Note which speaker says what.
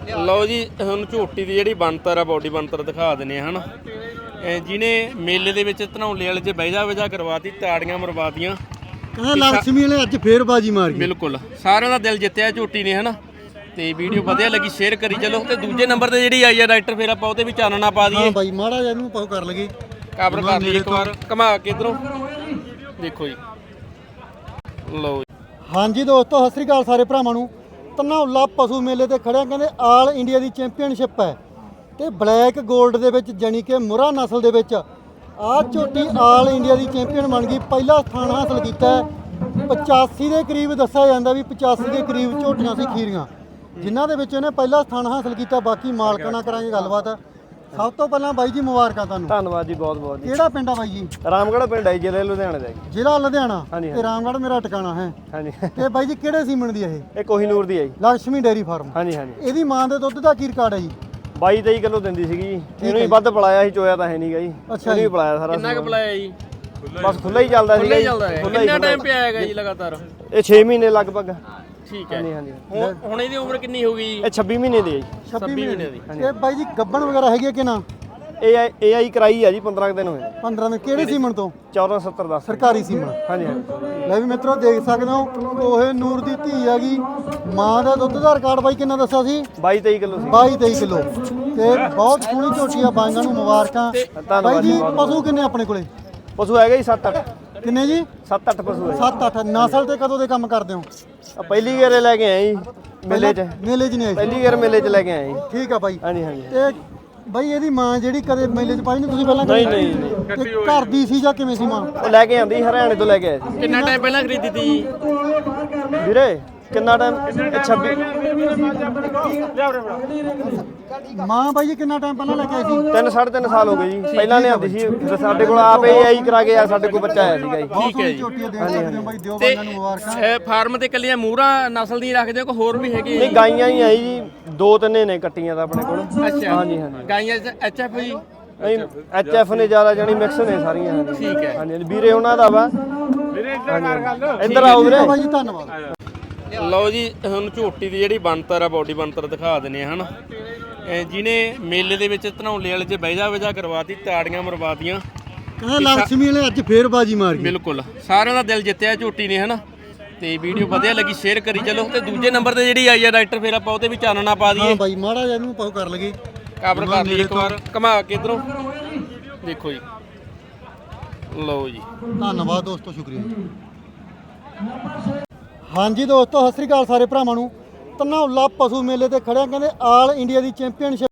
Speaker 1: ਲਓ ਜੀ ਹੁਣ ਝੋਟੀ ਦੀ ਜਿਹੜੀ ਬਣਤਰ ਆ ਬੋਡੀ ਬਣਤਰ ਦਿਖਾ ਦਿੰਦੇ ਆ ਹਨ। ਜਿਹਨੇ ਮੇਲੇ ਦੇ ਵਿੱਚ ਧਨੌਲੇ ਵਾਲੇ 'ਚ ਬਹਿਜਾ ਕਰਵਾਤੀ, ਤਾੜੀਆਂ ਮਰਵਾਤੀਆਂ,
Speaker 2: ਕਹਿੰਦਾ ਲక్ష్ਮੀ ਵਾਲੇ ਅੱਜ ਫੇਰ ਬਾਜੀ ਮਾਰ ਗਈ।
Speaker 1: ਬਿਲਕੁਲ ਸਾਰਿਆਂ ਦਾ ਦਿਲ ਜਿੱਤਿਆ ਝੋਟੀ ਨੇ ਹਨਾ। ਤੇ ਵੀਡੀਓ ਵਧੀਆ ਲੱਗੀ ਸ਼ੇਅਰ ਕਰੀ ਚਲੋ। ਤੇ ਦੂਜੇ ਨੰਬਰ ਤੇ ਜਿਹੜੀ ਆਈ ਆ ਡਾਕਟਰ, ਫਿਰ ਆਪਾਂ ਉਹਦੇ ਵੀ ਚਾਨਣਾ ਪਾ ਦਈਏ।
Speaker 2: ਹਾਂ ਬਾਈ ਮਾੜਾ ਜਿਹਾ ਇਹਨੂੰ ਪਾਉ ਕਰ ਲਗੇ,
Speaker 1: ਕਵਰ ਕਰ ਲਈ ਇੱਕ ਵਾਰ ਘੁਮਾ ਕੇ ਇਧਰੋਂ ਦੇਖੋ ਜੀ। ਲਓ
Speaker 2: ਹਾਂਜੀ ਦੋਸਤੋ, ਸਤਿ ਸ੍ਰੀ ਅਕਾਲ ਸਾਰੇ ਭਰਾਵਾਂ ਨੂੰ। ਧਨੌਲਾ ਪਸ਼ੂ ਮੇਲੇ ਤੇ ਖੜਿਆ, ਕਹਿੰਦੇ ਆਲ ਇੰਡੀਆ ਦੀ ਚੈਂਪੀਅਨਸ਼ਿਪ ਹੈ ਤੇ ਬਲੈਕ 골ਡ ਦੇ ਵਿੱਚ ਜਾਨੀ ਕਿ ਮੁਰਾ ਨਸਲ ਦੇ ਵਿੱਚ ਆਹ ਝੋਟੀ ਆਲ ਇੰਡੀਆ ਦੀ ਚੈਂਪੀਅਨ ਬਣ ਗਈ। ਪਹਿਲਾ ਸਥਾਨ ਹਾਸਲ ਕੀਤਾ ਹੈ। 85 ਦੇ ਕਰੀਬ ਦੱਸਿਆ ਜਾਂਦਾ ਵੀ 85 ਦੇ ਕਰੀਬ ਝੋਟੀਆਂ ਸੀ ਖੀਰੀਆਂ, ਜਿਨ੍ਹਾਂ ਦੇ ਵਿੱਚ ਇਹਨੇ ਪਹਿਲਾ ਸਥਾਨ ਹਾਸਲ ਕੀਤਾ। ਬਾਕੀ ਮਾਲਕਾਂ ਨਾਲ ਕਰਾਂਗੇ ਗੱਲਬਾਤ। ਸਭ ਤੋਂ ਪਹਿਲਾਂ ਬਾਈ ਜੀ ਮੁਬਾਰਕਾਂ ਤੁਹਾਨੂੰ।
Speaker 3: ਧੰਨਵਾਦ ਜੀ, ਬਹੁਤ ਬਹੁਤ ਜੀ।
Speaker 2: ਕਿਹੜਾ ਪਿੰਡ ਆ ਬਾਈ ਜੀ?
Speaker 3: ਰਾਮਗੜ੍ਹ ਪਿੰਡ ਹੈ, ਜ਼ਿਲ੍ਹਾ ਲੁਧਿਆਣਾ ਦਾ ਜੀ।
Speaker 2: ਜ਼ਿਲ੍ਹਾ ਲੁਧਿਆਣਾ
Speaker 3: ਹਾਂਜੀ,
Speaker 2: ਤੇ ਰਾਮਗੜ੍ਹ ਮੇਰਾ ਟਿਕਾਣਾ ਹੈ।
Speaker 3: ਹਾਂਜੀ।
Speaker 2: ਤੇ ਬਾਈ ਜੀ ਕਿਹੜੇ ਸੀਮਨ ਦੀ ਹੈ
Speaker 3: ਇਹ ਕੋਹੀਨੂਰ ਦੀ ਹੈ ਜੀ।
Speaker 2: Lakshmi dairy farm.
Speaker 3: ਹਾਂਜੀ ਹਾਂਜੀ।
Speaker 2: ਇਹਦੀ ਮਾਂ ਦੇ ਦੁੱਧ ਦਾ ਕੀ ਰਿਕਾਰਡ ਹੈ ਜੀ?
Speaker 3: 22-23 ਕਿਲੋ ਦਿੰਦੀ ਸੀਗੀ ਜੀ। ਇਹਨੂੰ ਹੀ ਵੱਧ ਪਲਾਇਆ ਸੀ, ਚੋਇਆ ਤਾਂ ਹੈ ਨਹੀਂਗਾ ਜੀ।
Speaker 2: ਅੱਛਾ
Speaker 3: ਇਹਨੂੰ ਹੀ
Speaker 2: ਜੀ।
Speaker 3: ਪਲਾਇਆ ਸਾਰਾ।
Speaker 1: ਕਿੰਨਾ ਕੁ ਬੁਲਾਇਆ ਜੀ?
Speaker 3: ਬਸ ਖੁੱਲਾ ਹੀ ਚੱਲਦਾ ਸੀਗਾ ਜੀ।
Speaker 1: ਕਿੰਨਾ ਟਾਈਮ ਪਿਆ ਹੈਗਾ ਜੀ ਲਗਾਤਾਰ?
Speaker 3: ਇਹ 6 ਮਹੀਨੇ ਲਗਭਗ।
Speaker 1: ਠੀਕ ਹੈ।
Speaker 3: ਹਾਂਜੀ ਹਾਂਜੀ।
Speaker 1: ਹੁਣ ਇਹਦੀ ਉਮਰ ਕਿੰਨੀ ਹੋ ਗਈ?
Speaker 3: ਇਹ 26 ਮਹੀਨੇ ਦੀ ਹੈ ਜੀ।
Speaker 2: 26 ਮਹੀਨੇ
Speaker 1: ਦੀ।
Speaker 2: ਤੇ ਬਾਈ ਜੀ ਗੱਬਣ ਵਗੈਰਾ ਹੈਗੀ ਕਿ ਨਾ?
Speaker 3: ਇਹ ਆਈ ਕਰਾਈ ਆ ਜੀ 15 ਦਿਨ ਹੋਏ।
Speaker 2: 15 ਦਿਨ। ਕਿਹੜੇ ਸੀਮਨ ਤੋਂ?
Speaker 3: 1470
Speaker 2: ਸਰਕਾਰੀ ਸੀਮਨ।
Speaker 3: ਹਾਂਜੀ ਹਾਂਜੀ।
Speaker 2: ਲੈ ਵੀ ਮਿੱਤਰੋ ਦੇਖ ਸਕਦੇ ਹੋ, ਕੋਹੇ ਨੂਰ ਦੀ ਧੀ ਹੈਗੀ। ਮਾਂ ਦਾ ਦੁੱਧ ਦਾ ਰਿਕਾਰਡ ਬਾਈ ਕਿੰਨਾ ਦੱਸਿਆ ਸੀ?
Speaker 3: 22-23 ਕਿਲੋ ਸੀ।
Speaker 2: 22-23 ਕਿਲੋ। ਤੇ ਬਹੁਤ ਸੋਹਣੀ ਝੋਟੀ ਆ, ਬਾਈਆਂ ਨੂੰ ਮੁਬਾਰਕਾਂ। ਬਾਈ ਜੀ ਪਸ਼ੂ ਕਿੰਨੇ ਆਪਣੇ ਕੋਲੇ?
Speaker 3: ਪਸ਼ੂ ਹੈਗਾ ਜੀ 7-8।
Speaker 2: ਕਿੰਨੇ ਜੀ?
Speaker 3: 7-8 ਪਸ਼ੂ ਹੈ।
Speaker 2: 7-8 ਨਸਲ ਤੇ ਕਦੋਂ ਦੇ ਕੰਮ ਕਰਦੇ ਹੋ?
Speaker 3: ਪਹਿਲੀ ਗੇਰੇ ਲੈ ਕੇ ਆਏ ਜੀ ਮੇਲੇ 'ਚ।
Speaker 2: ਮੇਲੇ 'ਚ ਨਹੀਂ ਆਏ?
Speaker 3: ਪਹਿਲੀ ਗੇਰ ਮੇਲੇ 'ਚ ਲੈ ਕੇ ਆਏ ਜੀ।
Speaker 2: ਠੀਕ ਆ ਬਾਈ।
Speaker 3: ਹਾਂਜੀ ਹਾਂਜੀ।
Speaker 2: ਤੇ ਬਾਈ ਇਹਦੀ ਮਾਂ ਜਿਹੜੀ ਕਦੇ ਮੇਲੇ 'ਚ ਪਾਈ ਨਹੀਂ ਤੁਸੀਂ ਪਹਿਲਾਂ?
Speaker 3: ਨਹੀਂ ਨਹੀਂ।
Speaker 2: ਤੇ ਘਰ ਦੀ ਸੀ ਜਾਂ ਕਿਵੇਂ ਸੀ ਮਾਂ?
Speaker 3: ਉਹ ਲੈ ਕੇ ਆਂਦੀ ਹਰਿਆਣੇ ਤੋਂ ਲੈ ਕੇ ਆਏ ਸੀ।
Speaker 1: ਕਿੰਨਾ ਟਾਈਮ ਪਹਿਲਾਂ ਖਰੀਦੀ ਤੀ?
Speaker 3: ਵੀਰੇ ਕਿੰਨਾ ਟਾਈਮ? 26
Speaker 2: ਮਾਂ ਬਾਈ ਜੀ ਕਿੰਨਾ ਟਾਈਮ ਪਹਿਲਾਂ ਲੈ ਕੇ ਆਈ ਸੀ?
Speaker 3: 3-3.5 ਸਾਲ ਹੋ ਗਏ ਜੀ। ਪਹਿਲਾਂ ਲਿਆਂਦੀ ਸੀ ਫਿਰ ਸਾਡੇ ਕੋਲ ਆਪ ਇਹ ਆਈ ਕਰਾ ਕੇ ਆ, ਸਾਡੇ ਕੋਲ ਬੱਚਾ ਆਇਆ ਸੀਗਾ ਜੀ।
Speaker 2: ਠੀਕ ਹੈ ਜੀ। ਝੋਟੀਆਂ ਦੇਖ ਸਕਦੇ ਹੋ ਬਾਈ, ਦਿਓ ਬਾਈਆਂ ਨੂੰ ਮੁਬਾਰਕਾਂ।
Speaker 1: ਇਹ ਫਾਰਮ ਤੇ ਕੱਲੀਆਂ ਮੂਹਰਾ ਨਸਲ ਦੀਆਂ ਰੱਖਦੇ ਹੋ ਕਿ ਹੋਰ ਵੀ ਹੈਗੇ?
Speaker 3: ਨਹੀਂ, ਗਾਈਆਂ ਹੀ ਆਈ ਜੀ, 2-3 ਨੇ ਕੱਟੀਆਂ ਤਾਂ ਆਪਣੇ ਕੋਲ।
Speaker 1: ਅੱਛਾ।
Speaker 3: ਹਾਂਜੀ ਹਾਂਜੀ।
Speaker 1: ਗਾਈਆਂ ਐਚਐਫ ਜੀ?
Speaker 3: ਨਹੀਂ, ਐਚਐਫ ਨੇ ਜ਼ਿਆਦਾ ਜਾਨੀ ਮਿਕਸ ਨੇ ਸਾਰੀਆਂ।
Speaker 1: ਠੀਕ ਹੈ।
Speaker 3: ਹਾਂਜੀ ਵੀਰੇ ਉਹਨਾਂ ਦਾ ਵਾ। ਇੱਧਰ ਆਓ ਵੀਰੇ।
Speaker 2: ਬਾਈ ਜੀ ਧੰਨਵਾਦ।
Speaker 1: ਲਓ ਜੀ ਹੁਣ ਝੋਟੀ ਦੀ ਜਿਹੜੀ ਬਣਤਰ ਆ ਬੋਡੀ ਬਣਤਰ ਦਿਖਾ ਦਿੰਦੇ ਆ ਹਨ। ਜਿਹਨੇ ਮੇਲੇ ਦੇ ਵਿੱਚ ਧਨੌਲੇ ਵਾਲੇ 'ਚ ਬਹਿਜਾ ਕਰਵਾਤੀ, ਤਾੜੀਆਂ ਮਰਵਾਤੀਆਂ,
Speaker 2: ਕਹਿੰਦਾ ਲక్ష్ਮੀ ਵਾਲੇ ਅੱਜ ਫੇਰ ਬਾਜੀ ਮਾਰ ਗਈ।
Speaker 1: ਬਿਲਕੁਲ ਸਾਰਿਆਂ ਦਾ ਦਿਲ ਜਿੱਤਿਆ ਝੋਟੀ ਨੇ ਹਨਾ। ਤੇ ਵੀਡੀਓ ਵਧੀਆ ਲੱਗੀ ਸ਼ੇਅਰ ਕਰੀ ਚਲੋ। ਤੇ ਦੂਜੇ ਨੰਬਰ ਤੇ ਜਿਹੜੀ ਆਈ ਆ ਡਾਕਟਰ, ਫਿਰ ਆਪਾਂ ਉਹਦੇ ਵੀ ਚਾਨਣਾ ਪਾ
Speaker 2: ਹਾਂ
Speaker 1: ਦਈਏ।
Speaker 2: ਬਾਈ ਮਾੜਾ ਜਿਹਾ ਇਹਨੂੰ ਪਾਉ ਕਰ ਲਗੇ,
Speaker 1: ਕਵਰ ਕਰ ਲਈ ਇੱਕ ਵਾਰ ਘੁਮਾ ਕੇ ਇਧਰੋਂ ਦੇਖੋ ਜੀ। ਲਓ ਜੀ
Speaker 2: ਧੰਨਵਾਦ ਦੋਸਤੋ, ਸ਼ੁਕਰੀਆ ਜੀ। ਹਾਂਜੀ ਦੋਸਤੋ, ਸਤਿ ਸ੍ਰੀ ਅਕਾਲ ਸਾਰੇ ਭਰਾਵਾਂ ਨੂੰ। ਧਨੌਲਾ ਪਸ਼ੂ ਮੇਲੇ ਤੇ ਖੜਿਆ, ਕਹਿੰਦੇ ਆਲ ਇੰਡੀਆ ਦੀ ਚੈਂਪੀਅਨਸ਼ਿਪ